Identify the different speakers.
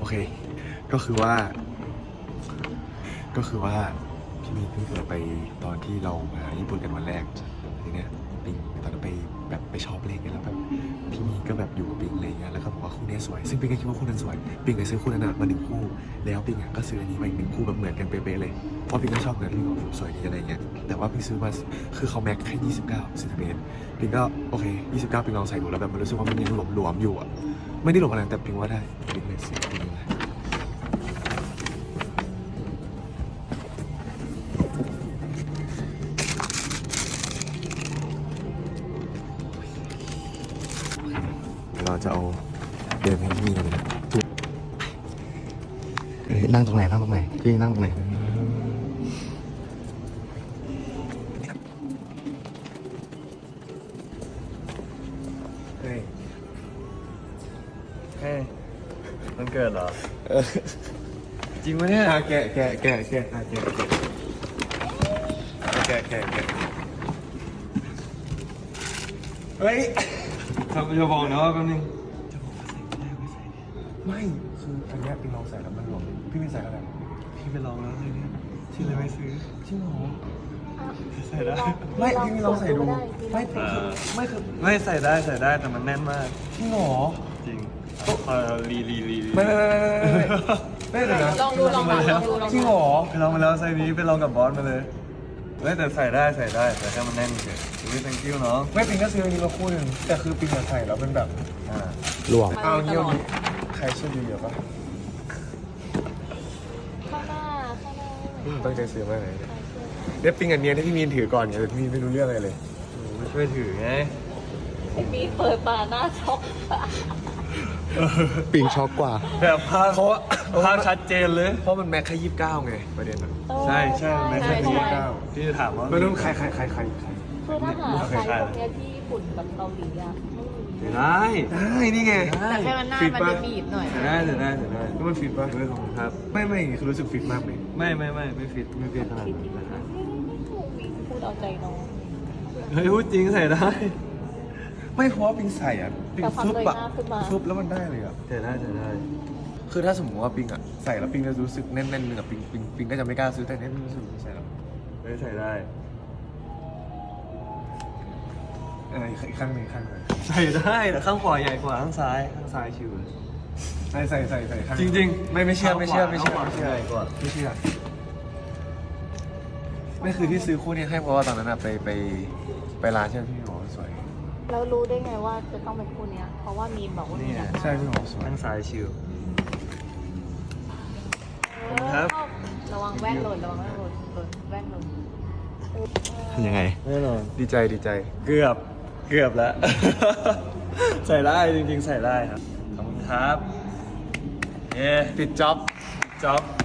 Speaker 1: เคก็คือว่าพี่มีนเพิ่งเกิดไปตอนที่เรามาญี่ปุ่นกันวันแรกทีเนี้ยปิงตอนนั้นไปแบบไปช็อปเลขกันแล้วแบบพี่มีก็แบบอยู่กับปิงอะไรเงี้ยแล้วก็บอกว่าคู่นี้สวยซึ่งปิงก็คิดว่าคู่นั้นสวยปิงก็ซื้อคู่นั้นมา1 คู่แล้วปิงก็ซื้ออันนี้มาอีก1 คู่แบบเหมือนกันเป๊ะๆเลยเพราะปิงก็ชอบเงินปิงบอกสวยดีอะไรเงี้ยแต่ว่าปิงซื้อมาคือเขาแม็กแค่29 เซนติเมตรปิงก็โอเค29ปิงลองใส่ดูแล้วแบบมันรู้สึกว่ามันยังหลวมๆอยู่อ่ะไม่ได้หลวมอะไรแต่ปิงว่าได้ปิงเลยซื้อปิงเลยเราจะเอาเดินให้มีเลยนะนั่งตรงไหนพี่นั่งตรงไหนเฮ้ย
Speaker 2: มันเกิดเหรอจริงปะเนี่ย
Speaker 1: แกะเฮ้ย
Speaker 2: จะบอกนะว่าแป๊บนึง
Speaker 1: ไม่คืออันนี้พี่ลองใส่แล้วมันหลวมพี่ไม่ใส่อะไร
Speaker 2: พี่ไปลองแล้วเลยเนี่ยที่เลยไม่ซื้อ
Speaker 1: จริงเหรอ
Speaker 2: ใส่ได้
Speaker 1: ไม่พี่ไม่ลองใส่ดูไม่คือ
Speaker 2: ไม่ใส่ได้แต่มันแน่นมาก
Speaker 1: จริงเหรอ
Speaker 2: จริงรี
Speaker 1: ไม่เลยนะ
Speaker 3: ลองดู
Speaker 1: จริงเหรอ
Speaker 2: ไปลองมาแล้วไซส์นี้ไปลองกับบอสมาเลยแต่ใส่ได้แต่แค่มันแน่นเฉยไม่ thank you เนาะ
Speaker 1: ไม่ปิงก็ซื้ออันนี้มาคู่หนึ่งแต่คือปิงใส่แล้วเป็นแบบ
Speaker 2: หลวม
Speaker 1: เอาเงี้ยใครช่วยดูเยอะปะ
Speaker 3: ข้างหน้า
Speaker 1: ตั้งใจซื้อมากเลยเนี่ยปิงอันเนี้ยที่พี่มีนถือก่อนไงแต่พี่มีนไม่รู้เรื่องอะไรเลย
Speaker 2: ไม่ช่วยถือไง
Speaker 3: มีเปิดมาหน้าช็อก
Speaker 1: ปิงช็อกกว่า
Speaker 2: แบบภาพชัดเจนเลย
Speaker 1: เพราะมันแม็กแค่29ไงประเด็นมัน
Speaker 2: ใช่ไม่ใช่
Speaker 3: ใช่
Speaker 2: ที่จะถามว่า
Speaker 1: ไม่รู้ใคร
Speaker 3: คือถ้าหาไซส์พวกเนี้ยที่ญี่ปุ่นกับเกาหลีอะไม่มี
Speaker 2: ได้
Speaker 1: นี่ไง
Speaker 3: แต่แค่มันหน้ามันจะบีบหน่อย
Speaker 2: ได้
Speaker 1: แล้วมันฟิตปะ
Speaker 2: ไม่ของครับ
Speaker 1: ไม่คือรู้สึกฟิตมากเลย
Speaker 2: ไม่ฟิตขนาดนั้นนะครับ
Speaker 3: พูดเอาใจน้อง
Speaker 2: เฮ้ยพูดจริงใส่ได้
Speaker 1: ไม่เพราะว่าปิงใส่อ่ะปิง
Speaker 3: แต่ความ
Speaker 1: ฟึบ
Speaker 3: เลย
Speaker 1: อ่ะ
Speaker 3: หน้าขึ้นมา
Speaker 1: ฟึบแล้วมันได้เลยอ่ะ
Speaker 2: ใส่ได้
Speaker 1: คือถ้าสมมติว่าปิงอ่ะใส่แล้วปิงจะรู้สึกแน่นๆหนึ่งอ่ะปิงก็จะไม่กล้าซื้อแต่เนี่ยปิงรู้สึกใส่แล้ว
Speaker 2: ใส่ได้
Speaker 1: อีกข้างหนึ่งข้างหนึ่ง
Speaker 2: ใส่ได้แต่ข้างขวาใหญ่กว่าข้างซ้ายชิวเลย
Speaker 1: ใส่ข้าง
Speaker 2: จริง
Speaker 1: ไม่เชื่อ
Speaker 2: ข้างขวาใหญ่กว่า
Speaker 1: ไม่เชื่อไม่คือที่ซื้อคู่นี้ให้เพราะว่าตอนนั้นอะไปร้านใช่ไหมพี่บอกว่าสวย
Speaker 3: แล้วรู้ได้ไงว่าจะต้องเป็นคู่เนี้ย เพราะว่ามีนบอกว่ามี
Speaker 1: ใช่พี่บอกว่าสวย
Speaker 2: ข้างซ้ายชิว ครับ
Speaker 3: ระวังแว่นหล่นแว่นหล่น
Speaker 1: ยังไง
Speaker 2: แน่นอน
Speaker 1: ดีใจ
Speaker 2: เกือบแล้ว ใส่ได้จริงๆใส่ได้ครับขอบคุณครับ
Speaker 1: ปิดจ็อบ
Speaker 2: จ็อบ